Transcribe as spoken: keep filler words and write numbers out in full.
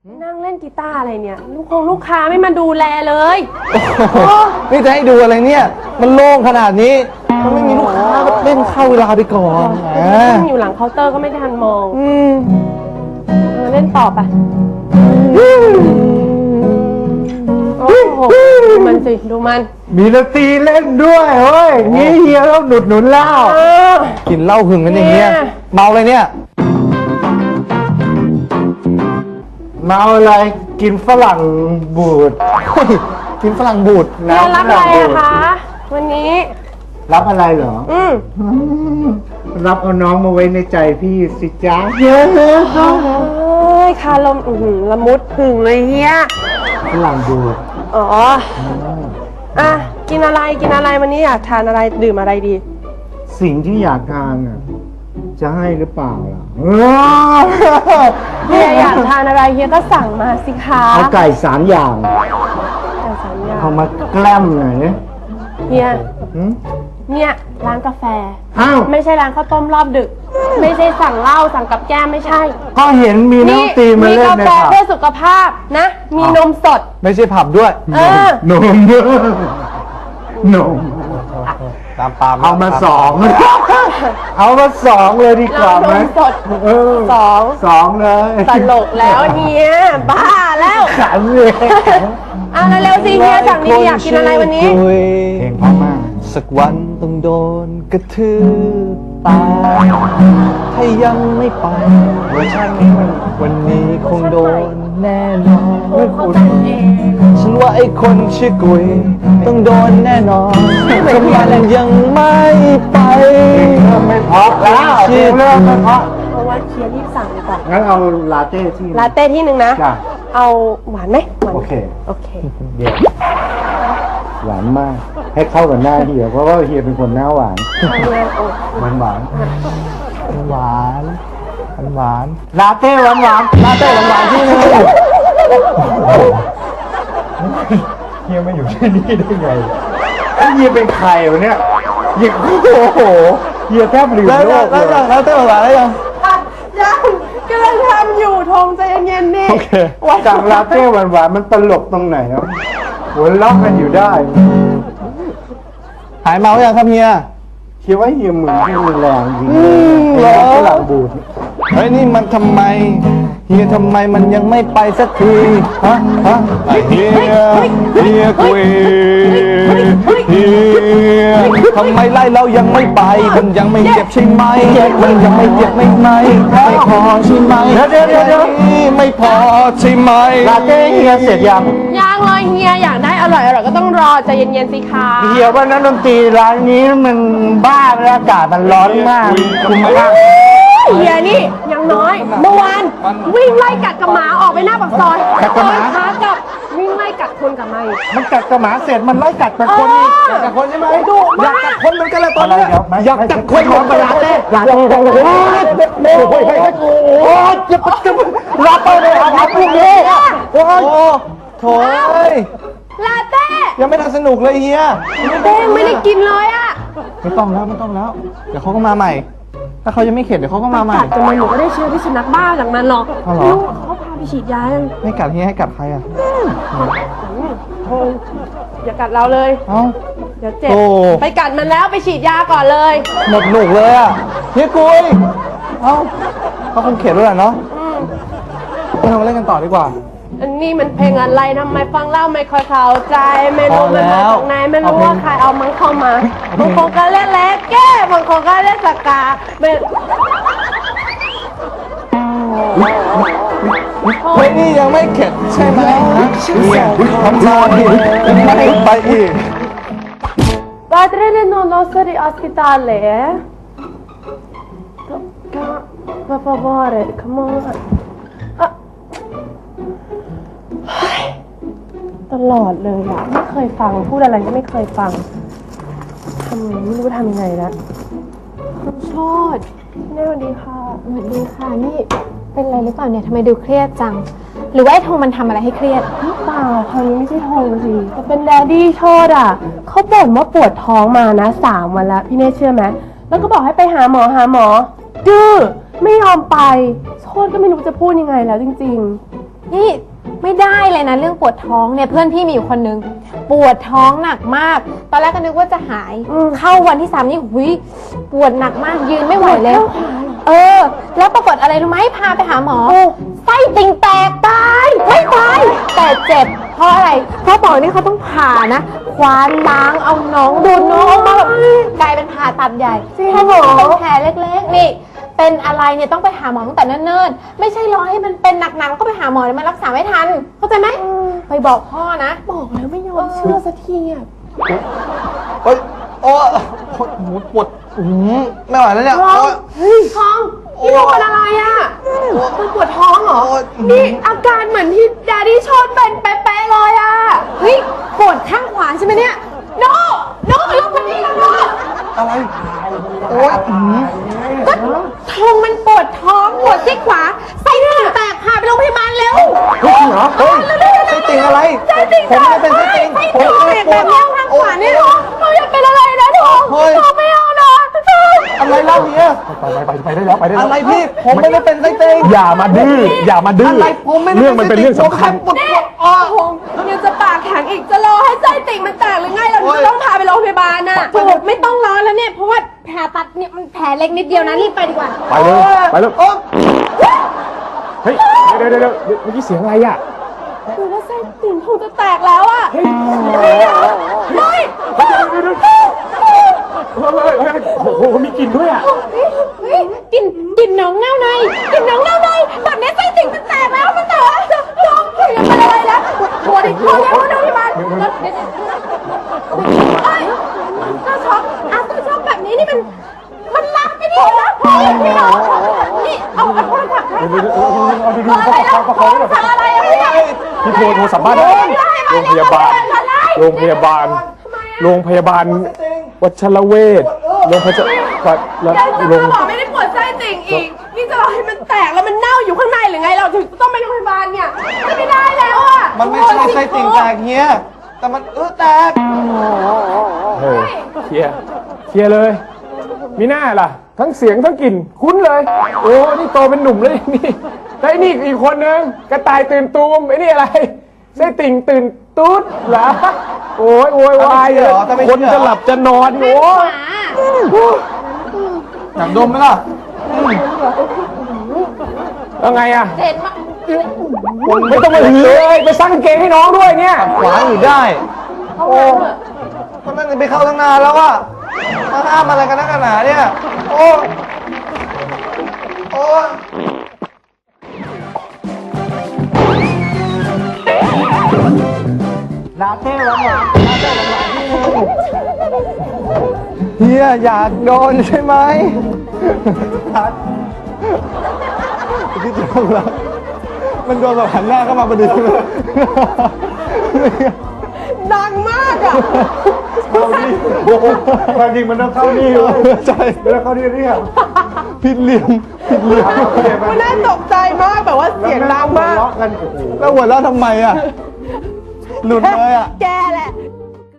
นั่งเล่นกีตาร์อะไรเนี่ยลูกคงลูกค้าไม่มาดูแลเลยนี่จะให้ดูอะไรเนี่ยมันโล่งขนาดนี้มันไม่มีลูกค้าก็เล่นเข้าเวลาไปก่อนนั่งอยู่หลังเคาน์เตอร์ก็ไม่ทันมองเออเล่นต่อไปโอ้โหดูมันสิดูมันมีดนตรีเล่นด้วยเฮ้ยงี้เฮียต้องหนุดหนุนเหล้ากินเหล้าหึงกันอย่างเงี้ยเมาเลยเนี่ยเมาอะไรกินฝรั่งบูดกินฝรั่งบูดน้ำรับอะไรอะคะวันนี้รับอะไรเหรออืมรับเอาน้องมาไว้ในใจพี่สิจ้าเยอะเฮ้ยคาลมอือละมุดผึ่งเลยเฮียฝรั่งบูดอ๋ออ่ะกินอะไรกินอะไรวันนี้อยากทานอะไรดื่มอะไรดีสิ่งที่อยากทานอ่ะจะให้หรือเปล่าล่ะเฮียอยากทานอะไรเฮียก็สั่งมาสิคะเอาไก่สามอย่างไก่สามอย่างเอามาแกล้มหน่อยเนี่ยเฮียเนี่ยร้านกาแฟอ้าวไม่ใช่ร้านข้าวต้มรอบดึกไม่ใช่สั่งเหล้าสั่งกับแก้มไม่ใช่ก็เห็นมีน้ำตีมาเล่นในผับมีกาแฟเพื่อสุขภาพนะมีนมสดไม่ใช่ผับด้วยนมนมตามปามเอามาสองเอามาสองเลยดีกว่าไหมสดสองสองเลยตลกแล้วเนี่ยบ้าแล้วขันเลยอ่ะเร็วๆสิเฮียสั่งนี้อยากกินอะไรวันนี้เพลงเพราะมากสักวันต้องโดนกระทืบตายถ้ายังไม่ไปเวอร์ชันนี้มันวันนี้คงโดนแน่นอนฉันว่าไอ้คนชื่อกุยต้องโดนแน่นอนถ้ามันยังไม่ไปไม่พอแล้วเริ่มไม่พอเพราะว่าเชียร์รีบสั่งดีกว่างั้นเอาลาเต้ที่ลาเต้ที่หนึ่งนะเอาหวานไหมหวานโอเคโอเคเดี๋ยวหวานมากให้เข้ากับหน้าเฮียเพราะว่าเฮียเป็นคนหน้าหวานหวานหวานหวานหวานลาเต้หวานหวานลาเต้หวานหวานที่นึงเฮียมาอยู่ที่นี่ได้ไงเฮียเป็นใครวะเนี่ยเฮียโอ้โหเฮียแทบลืมโลกเลยลาเต้หวานหวานแล้วยังยังกำลังทำอยู่ทงใจเย็นๆนี่จากลาเต้หวานหวานมันตลกตรงไหนครับหัวเราะกันอยู่ได้หายเมาอย่างครับเฮียคิดว่าเฮียมือที่รุนแรงจริงเลยฝรั่งบูดเฮ้ยนี่มันทำไมเฮียทำไมมันยังไม่ไปสักทีฮะฮะเฮียเฮียกุยเฮียทำไมไล่เรายังไม่ไปมันยังไม่เจ็บใช่ไหมมันยังไม่เจ็บไม่ไหมไม่พอใช่ไหมเดี๋ยวเดี๋ยวเดี๋ยวไม่พอใช่ไหมลาเต้เฮียเสร็จยังยังเลยเฮียอยากได้อร่อยอร่อยก็ต้องรอใจเย็นๆสิคะเฮียว่านักดนตรีร้านนี้มันบ้าแล้วอากาศมันร้อนมากคุ้มมากเฮียนี่ยังน้อยเมื่อวานวิ่งไล่กัดกับหมาออกไปหน้าปากซอยกัดกับหมาขากับวิ่งไล่กัดคนกับไม่มันกัดกับหมาเสร็จมันไล่กัดกับคนอีกกัดกับคนใช่ไหมดุอยากกัดคนเหมือนกันเลยตอนนี้อยากกัดคนของลาเต้ลาเต้โอ้โหโอ้โหโอ้ยจะจะลาเต้เลยครับพวกนี้โอ้โหโถ่ลาเต้ยังไม่ทันสนุกเลยเฮียเต้ไม่ได้กินเลยอ่ะไม่ต้องแล้วไม่ต้องแล้วเดี๋ยวเขาก็มาใหม่ถ้าเขายังไม่เข็ดเดี๋ยวเขาก็มาใหม่กัดจนมันหนูก็ได้เชื้อที่สุนัขบ้าจากมันหรอกลูกเขาพาไปฉีดยาไม่กัดเฮียให้กัดใครอ่ะโธ่อย่ากัดเราเลยเอ้าเดี๋ยวเจ็บไปกัดมันแล้วไปฉีดยาก่อนเลยหมดหนุกเลยอ่ะเฮียกุยเอ้าเขาคงเข็ดแล้วแหละเนาะเรามาเล่นกันต่อดีกว่าอันนี้มันเพลงอะไรทำไมฟังเล่าไม่ค่อยเข้าใจไม่รู้มันมาจากไหนไม่รู้ว่าใครเอามันเข้ามาบางคนก็เล่นแล็กแก้บางคนก็เล่นสกาเฮ้ยนี่ยังไม่เข็ดใช่ไหมเนี่ยทำมาอีกยังไม่ไปอีก Padre non nostri ospitale per favore come onตลอดเลยอะไม่เคยฟังพูดอะไรก็ไม่เคยฟังทำไงไม่รู้ทำยังไงละคุณโชติแม่สวัสดีค่ะสวัสดีค่ะนี่เป็นอะไรหรือเปล่าเนี่ยทำไมดูเครียดจังหรือว่าไอ้ธงมันทำอะไรให้เครียดเปล่าคราวนี้ไม่ใช่ธงสิแต่เป็นแดดดี้โชติอะเขาบ่นว่าปวดท้องมานะสามวันแล้วพี่เน่เชื่อไหมแล้วก็บอกให้ไปหาหมอหาหมอดื้อไม่ยอมไปโชติก็ไม่รู้จะพูดยังไงแล้วจริงๆนี่ไม่ได้เลยนะเรื่องปวดท้องเนี่ยเพื่อนพี่มีอยู่คนนึงปวดท้องหนักมาก ตอนแรกก็นึกว่าจะหายเข้าวันที่สามนี่หุยปวดหนักมากยืนไม่ไหวเลยเออ แล้วปรากฏอะไรรู้ไหมพาไปหาหมอไส้ติ่งแตกตายไม่ตายแต่เจ็บเพราะอะไรเพราะหมอนี่เขาต้องผ่านะควานล้างเอาน้องดูดน้องมาแบบกลายเป็นผ่าตัดใหญ่ถ้าหมอเป็นแผลเล็กๆนี่เป็นอะไรเนี่ยต้องไปหาหมอตั้งแต่เนิ่นๆไม่ใช่รอให้มันเป็นหนักๆแล้วก็ไปหาหมอแล้วมันรักษาไม่ทันเข้าใจไหมไปบอกพ่อนะบอกแล้วไม่ยอมเชื่อสักทีอ่ะเฮ้ยโอ้โอ้โหปวดอื้อหือไม่ไหวแล้วเนี่ยโอ้ยเฮ้ยท้องพี่โดนอะไรอ่ะคุณปวดท้องเหรอโอ้ยนี่อาการเหมือนที่แดดดี้ชอนเป็นเป๊ะๆเลยอ่ะเฮ้ยปวดข้างขวาใช่ไหมเนี่ยโนโนลงมานี่นะโนอะไรโอ้ยอื้อหือก็ท้องมันปวดท้องปวดที่ขวาไส้ติ่งแตกพาไปโรงพยาบาลเร็วเฮ้ยจริงเหรอเฮ้ยไส้ติ่งอะไรไส้ติ่งผมไม่เป็นไส้ติ่งไส้ผมติ่งไม่แตปวกดแบบนี้ทางขวาเนี่ยเราอย่าเป็นอะไรนะท้องเฮ้ยท้องไม่เอานะอะไรเล่าเนี่ยไปไปไปไปได้แล้วไปได้แล้วอะไรพี่ผมไม่ได้เป็นไส้ติ่งอย่ามาดื้ออย่ามาดื้ออะไรผมไม่ได้เรื่องมันเป็นเรื่องสำคัญผมแค่ปวดปวดอ้อโอ้โหยังจะปากแข็งอีกจะรอให้ไส้ติ่งมันแตกหรือไงเราโอ้ยจะต้องพาไปโรงพยาบาลน่ะถูกไม่ต้องรอแล้วเนี่ยเพราะว่าแผลตัดเนี่ยมันแผลเล็กนิดเดียวนะรีบไปดีกว่าไปเลยไปเลยโอ้เฮ้ยเดี๋ยวเดี๋ยวเดี๋ยวเมื่อกี้เสียงอะไรอ่ะคือว่าไส้ติ่งคงจะแตกแล้วอ่ะเฮ้ยเฮ้ยเฮ้ยเฮ้ยเฮ้ยโอ้โหมีกลิ่นด้วยอ่ะเฮ้ยกินกินน้องเน่าในกินน้องเน่าในแบบนี้ไส้ติ่งมันแตกแล้วมันแตกน้องคือยังเป็นอะไรแล้วปวดอีกคนแล้วนะพี่บาลเดี๋ยวเดี๋ยวเฮ้ยก็ช็อกอ่ะก็ช็อกแบบนี้นี่มันมันลามไปดินะพี่น้องนี่เอาเอาโทรศัพท์ให้ค่ะอะไรแล้วโทรศัพท์อะไรอะพี่พี่โทรโทรสัมภาษณ์ได้โรงพยาบาล โรงพยาบาล โรงพยาบาลวัชรเวชโรงพยาบาลแล้วยังจะโรงมาบอกไม่ได้ปวดไส้ติ่งอีก นี่จะรอให้มันแตกแล้วมันเน่าอยู่ข้างในหรือไงเราถึงต้องไปโรงพยาบาลเนี่ยไม่ได้แล้วอ่ะมันไม่ใช่ไส้ติ่งแตกเฮียแต่มันเออแตกเออเคลียร์เคลียร์เลย มีหน้าล่ะ ทั้งเสียงทั้งกลิ่นคุ้นเลย โอ้นี่โตเป็นหนุ่มเลยนี่แล้วไอ้นี่อีกคนนึงกระต่ายตื่นตูมไอ้นี่อะไรไส้ติ่งตื่นตุ๊ดเหรอโอ้ยโวยวายเลยคนจะหลับจะนอนโอ้ยอยากดมไหมล่ะแล้วไงอ่ะเห็นมาไม่ต้องมาหือเลยไปซักกางเกงให้น้องด้วยเนี่ยขวาอยู่ได้ โอ้ก็นั่นไปเข้าตั้งนานแล้วอะมาห้ามอะไรกันนักหนาเนี่ย โอ้ โอ้ลาเต้หวานหวานเฮียอยากโดนใช่ไหมพี่จงแล้วมันโดนแบบหันหน้าเข้ามาพอดีเลยดังมากอ่ะความจริงมันต้องเข้านี่เลยใช่ไม่ต้องเข้านี่เรียกผิดเหลี่ยมผิดเหลี่ยมมันน่าตกใจมากแบบว่าเสียงดังมากกันโอ้โหแล้วหัวเราะทำไมอะหลุดเลยอะแกแหละ